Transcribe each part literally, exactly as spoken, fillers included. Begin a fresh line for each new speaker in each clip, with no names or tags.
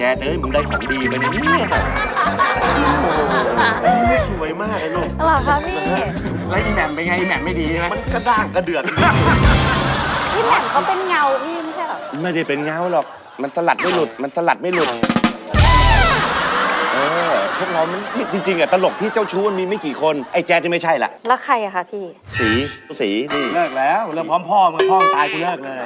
ดเอ้ยมึงได้ของดีไปเนี่ยสวยมากเลยลูก
หรอคะพี่
แล้วอีแหม่มเป็นไงอีแหม่มไม่ดีใช่ไหม
มันกระด้างกระเดือก
พี่แหม่มเขาเป็นเงาพี่ไม่ใช่หรอ
ไม่ได้เป็นเงาหรอกมันสลัดไม่หลุดมันสลัดไม่หลุดเออพวกเรามันจริงๆอะตลกที่เจ้าชู้มันมีไม่กี่คนไอ้แจ๊ดที่ไม่ใช่ละ
แล้วใครอะคะพี่
สีสีนี่
เลิกแล้วเลิกพร้อมพ่อมึงพ่อมึงตายกูเลิกเลย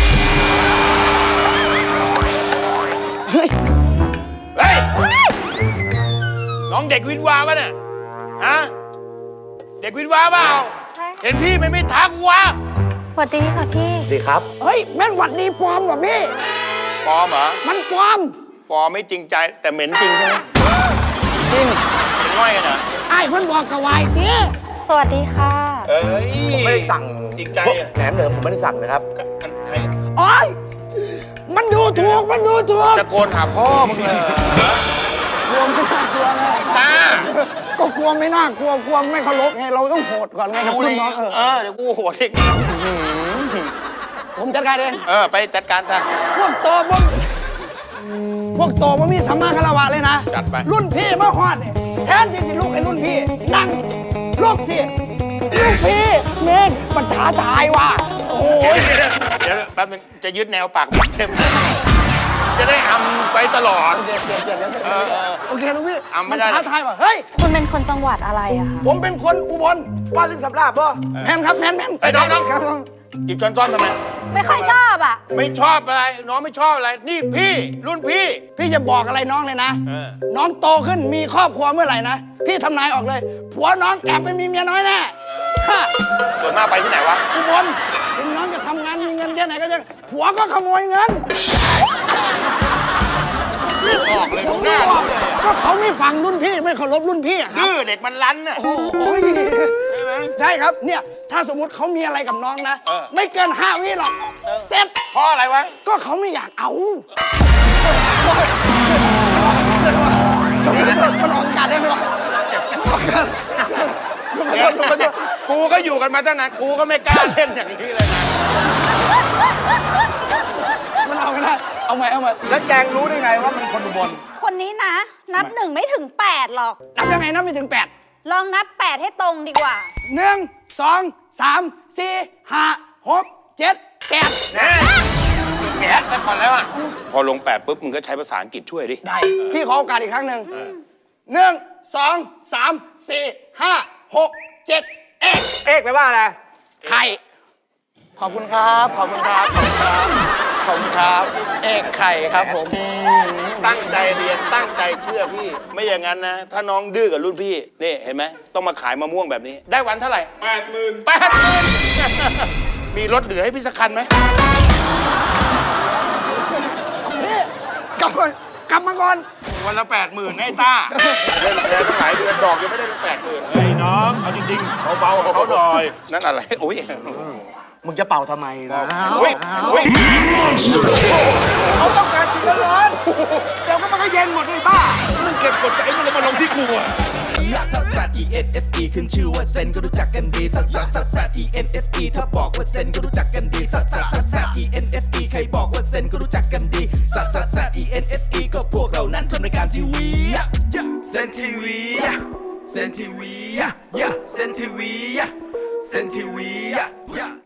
เฮ้ย
เฮ้ยน้องเด็กวินวาปะเนี่ยฮะเด็กวินวาเปล่า
ใช่
เห็นพี่ไม่ไม่ทักวะ
สวัสดีค่ะพี่
ดีครับ
เฮ้ยแม่นหวัดดีปลอมกว่าพี่
ปลอมเหรอ
มันปลอม
ปลอมไม่จริงใจแต่เหม็นจริงใช่ไหมจริงเป็นง่อยกันเหรอ
ไอ้เพิ่นบอกกะวายเตี้ย
สวัสดีค่ะ
เอ้ย
ผมไม่ได้สั่ง
จริงใจอะ
แหนมเหนือผมไม่ได้สั่งนะครับ
มันใคร
โอ้ยมันดูถูกมันดูถูก
ตะโกนหาพ่อมึงเลย
กลัวไม่น่ากลัวไง
ตา
ก็กลัวไม่น่ากลัวกลัวไม่เคารพไงเราต้องโหดก่อนไงกับ
กู
รุ่
เล
น
ย
น้องเออ
เออเดี๋ยวกูโหดอีก
ผมจัดการเอง
เออไปจัดการซะ
พวกโตพวกพวกโตมันมีสัมมาคารวะเลยนะ
จัดไป
รุ่นพี่มาฮอดเนี่ยแทนที่สิลูกไอ้รุ่นพี่นั่งลูกสิลูกพี่เน่งมันท้าทายว่ะโอ้โห
เดี๋ยวแป๊บนึงจะยึดแนวปากใช่ไหมจะได้อำไปตลอด
เดี๋ยวเดี๋ยวเดี๋ยวเดี๋ยว
เออเออ
โอเคลูกพี่
อ่ะไม่ได้
นท้าทายว่ะเฮ้ย
คุณเป็นคนจังหวัดอะไรอะคะ
ผมเป็นคนอุบลว่าสิสับลาบป่ะแมนครับแมนแมน
ไอ้ยน้องน้อง
ครับ
หยิบช้อนซ้อมทำไม
ไม่ค่อยชอบอะ
ไม่ชอบอะไร น้องไม่ชอบอะไร นี่พี่รุ่นพี่
พี่จะบอกอะไรน้องเลยนะ
เออ
น้องโตขึ้นมีครอบครัวเมื่อไหร่นะ พี่ทำนายออกเลย ผัวน้องแอบไปมีเมียน้อยแน่ฮะ
ส่วนมากไปที่ไหนวะ
อุบลถึงน้องจะทำงานมีเงินแค่ไหนก็จะผัวก็ขโมยเงิน
ออกเลย
ผ
ดู
ม
หน้า
บอกก็เขาไม่ฟังรุ่นพี่ไม่เคารพรุ่นพี่อะครับ
ดื้อเด็กมันรั้นน่ะ
โอ้โห
ใช่ไหม
ใช่ครับเนี่ยถ้าสมมุติเขามีอะไรกับน้องนะ
เออ
ไม่เกินห้าวิหรอกเสร็จ
เพราะอะไรวะ
ก็เขาไม่อยากเอามันออกอากาศได้ไหมวะ
กูก็อยู่กันมาตั้งนาน กูก็ไม่กล้าเล่นอย่างนี้เลยนะ
มันเอาไม่ได้เอาใหม่เอาใหม่
แล้วแจงรู้ได้ไงว่ามันคนอุบล
คนนี้นะ นับหนึ่งไม่ถึงแปดหรอก
นับยังไงนับไม่ถึงแปด
ลองนับแปดให้ตรงดีกว่า
หนึ่งสองสามสี่ห้าหกเจ็ดแปด
แน่แกะไปก่อนแล้วอ่ะ พอลงแปดปุ๊บ มึงก็ใช้ภาษาอังกฤษช่วยดิ
ได้พี่ขอโอกาสอีกครั้งหนึ่งหนึ่งสองสามสี่ห้าหกเจ็ดเอ็ก
เอกไปว่าอะไร
ไข่ขอบคุณครับขอบคุณครับขอบคุณครับขอบคุณครับเอกไข่ครับผม
ตั้งใจเรียน ตั้งใจเชื่อพี่ ไม่อย่างนั้นนะ ถ้าน้องดื้อกับรุ่นพี่ นี่เห็นไหม ต้องมาขายมะม่วงแบบนี้ ได้วันเท่าไหร่แปดหมื่นแปดหมื่นมีรถเหลือให้พี่สักคันไหม
นี่กลับก่อนกลับมาก่อน
วันละแปดหมื่นไอ้ต้าเล่นแชร์ตั้งหลายเดือนดอกยังไม่ได้แปดหมื่น
ไอ้น้องเอาจริงๆเบาๆเขาหน่อย
นั่นอะไรโอ้ย
มึงจะเป่าทำไมนะ
โอ้ยโอ้ย
เขาต้องการกินร้อนๆเดี๋ยวก็มันก็เย็นหมดเลยบ้า
มึงเก็บกดไอ้มันเลยมาลงที่กูอะ
ลักซัสซัส E N S E ขึ้นชื่อว่าเซนก็รู้จักกันดีซัสซัสซัสซัส E N S E ถ้าบอกว่าเซนก็รู้จักกันดีซัสซัสซัสซัส E N S E ใครบอกว่าเซนก็รู้จักกันดีซัสซัสซัส E N S E ก็พวกเรานั้นทำรายการทีวีเซนทีวีเซนทีวีเซนทีวีเซนทีวี